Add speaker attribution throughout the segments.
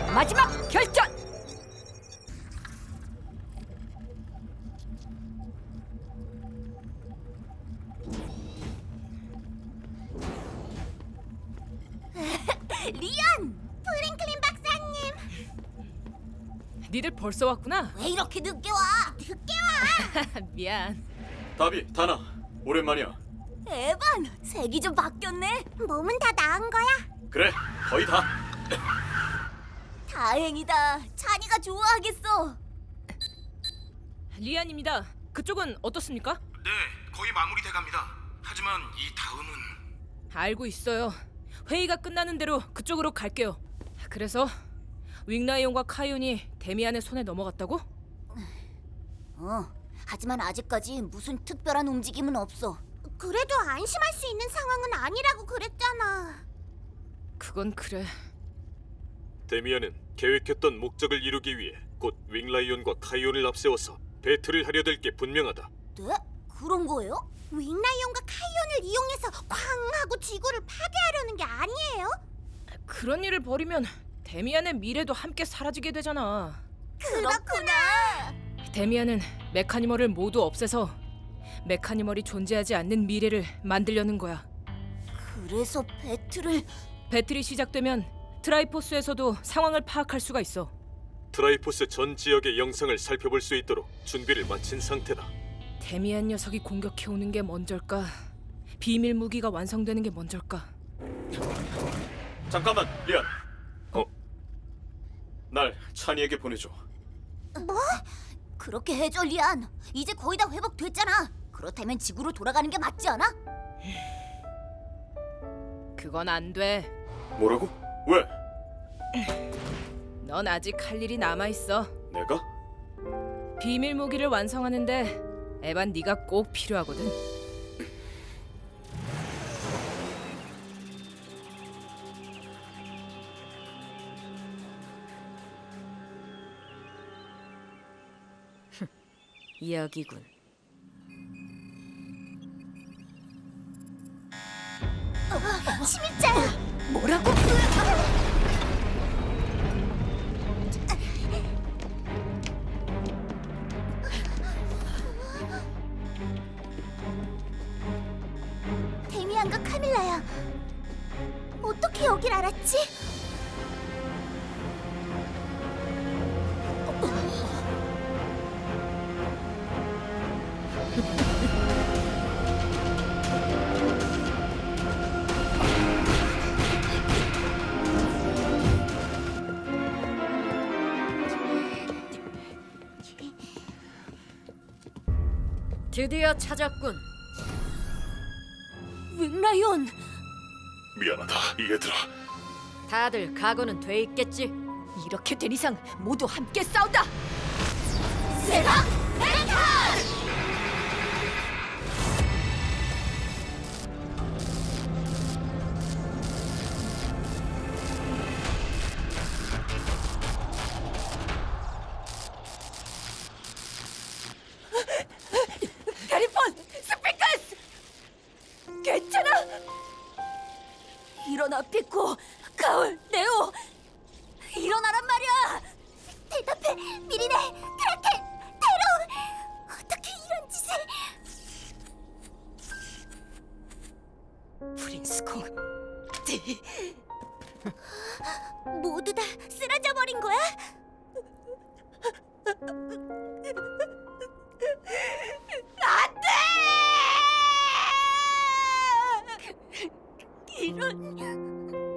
Speaker 1: 마지막 결전!
Speaker 2: 리안! 프랭클린 박사님!
Speaker 1: 니들 벌써 왔구나?
Speaker 2: 왜 이렇게 늦게 와? 늦게 와!
Speaker 1: 미안.
Speaker 3: 다비, 다나, 오랜만이야.
Speaker 2: 에반! 색이 좀 바뀌었네? 몸은 다 나은 거야?
Speaker 3: 그래, 거의 다.
Speaker 2: 다행이다. 찬이가 좋아하겠어.
Speaker 1: 리안입니다. 그쪽은 어떻습니까?
Speaker 4: 네, 거의 마무리돼갑니다. 하지만 이 다음은
Speaker 1: 알고 있어요. 회의가 끝나는 대로 그쪽으로 갈게요. 그래서 윙라이온과 카이온이 데미안의 손에 넘어갔다고?
Speaker 2: 하지만 아직까지 무슨 특별한 움직임은 없어. 그래도 안심할 수 있는 상황은 아니라고 그랬잖아.
Speaker 1: 그건 그래.
Speaker 3: 데미안은 계획했던 목적을 이루기 위해 곧 윙라이온과 카이온을 앞세워서 배틀을 하려 될 게 분명하다.
Speaker 2: 네? 그런 거예요? 윙라이온과 카이온을 이용해서 쾅 하고 지구를 파괴하려는 게 아니에요?
Speaker 1: 그런 일을 벌이면 데미안의 미래도 함께 사라지게 되잖아.
Speaker 2: 그렇구나.
Speaker 1: 데미안은 메카니멀을 모두 없애서 메카니멀이 존재하지 않는 미래를 만들려는 거야.
Speaker 2: 그래서 배틀을...
Speaker 1: 배틀이 시작되면 트라이포스에서도 상황을 파악할 수가 있어.
Speaker 3: 트라이포스 전 지역의 영상을 살펴볼 수 있도록 준비를 마친 상태다.
Speaker 1: 데미안 녀석이 공격해오는 게 먼저일까? 비밀 무기가 완성되는 게 먼저일까?
Speaker 3: 잠깐만, 리안. 날 찬이에게 보내줘.
Speaker 2: 뭐? 그렇게 해줘, 리안. 이제 거의 다 회복됐잖아. 그렇다면 지구로 돌아가는 게 맞지 않아?
Speaker 1: 그건 안 돼.
Speaker 3: 뭐라고? 왜?
Speaker 1: 넌 아직 할 일이 남아있어.
Speaker 3: 내가?
Speaker 1: 비밀 무기를 완성하는데 에반 네가 꼭 필요하거든.
Speaker 5: 여기군.
Speaker 2: 침입자야. 뭐라고? 데미안과 카밀라야. 어떻게 여길 알았지?
Speaker 5: 드디어 찾았군.
Speaker 2: 윙라이온.
Speaker 3: 미안하다, 얘들아.
Speaker 5: 다들 각오는 돼 있겠지?
Speaker 1: 이렇게 된 이상 모두 함께 싸운다.
Speaker 2: 세가 멘탈!
Speaker 1: 가리폰! 스피커스! 괜찮아?
Speaker 2: 일어나, 피코. 가을, 네오. 일어나란 말이야. 대답해, 미리네, 크라켄, 테로. 어떻게 이런 짓을...
Speaker 1: 프린스콩.
Speaker 2: 모두 다 쓰러져 버린 거야? 안돼! 이런...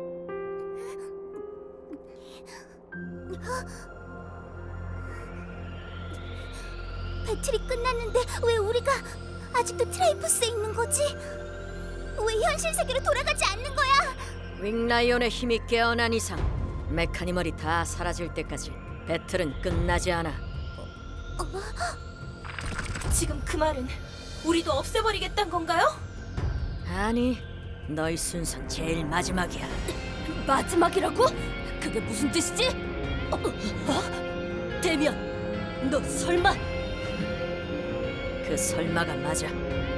Speaker 2: 배틀이 끝났는데 왜 우리가 아직도 트라이포스에 있는 거지? 왜 현실 세계로 돌아가지 않는 거야?
Speaker 5: 윙라이온의 힘이 깨어난 이상 메카니멀이 다 사라질 때까지 배틀은 끝나지 않아.
Speaker 1: 지금 그 말은 우리도 없애버리겠다는 건가요?
Speaker 5: 아니, 너희 순선 제일 마지막이야.
Speaker 2: 마지막이라고? 그게 무슨 뜻이지? 데미안, 너 설마...
Speaker 5: 그 설마가 맞아.